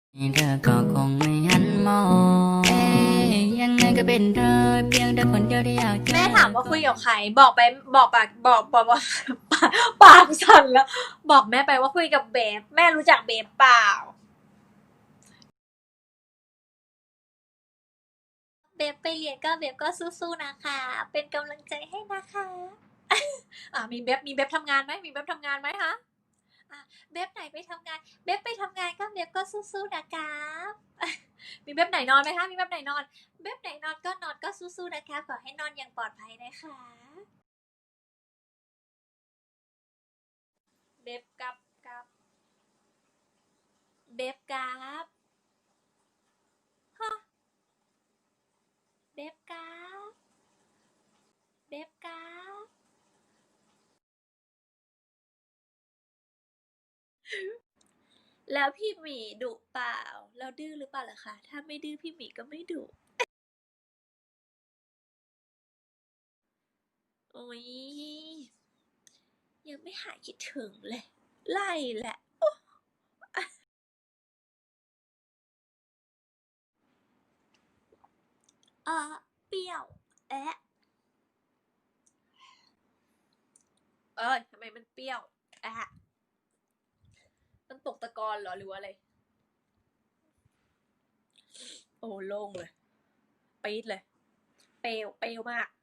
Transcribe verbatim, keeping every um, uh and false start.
เธอก็คงไม่หันมองเอ๊ยยังไงก็เป็นเธอเพียงแต่คนเดียวที่อยากเจอแม่ถามว่าคุยกับใครบอกไปบอกปากบอกบอกว่า ปากปากสั่นแล้ว บอกแม่ไปว่าคุยกับเบฟแม่รู้จักเบฟเปล่าเบฟไปเรียนก็เบฟก็สู้ๆนะคะ เป็นกำลังใจให้นะคะ อ่ามีเบฟมีเบฟทำงานไหมมีเบฟทำงานไหมคะอ่ะเบฟไหนไปทำงานเบฟไปทำงานก็เบฟก็สู้ๆนะคะมีเบฟไหนนอนไหมคะมีเบฟไหนนอนเบฟไหนนอนก็นอนก็สู้ๆนะคะขอให้นอนอย่างปลอดภัยนะคะเบฟกับกับเบฟกับฮะเบฟกับเบฟกับแล้วพี่หมีดุเปล่าแล้วดื้อหรือเปล่าล่ะคะถ้าไม่ดื้อพี่หมีก็ไม่ดุโอ้ยยังไม่หายคิดถึงเลยไล่แหละเออเปรี้ยวแอะเอ้ยทำไมมันเปรี้ยวแอะมันตกตะกอนเหรอหรือว่าอะไรโอ้โล่งเลยปี๊ดเลยเปลวเปลวมาก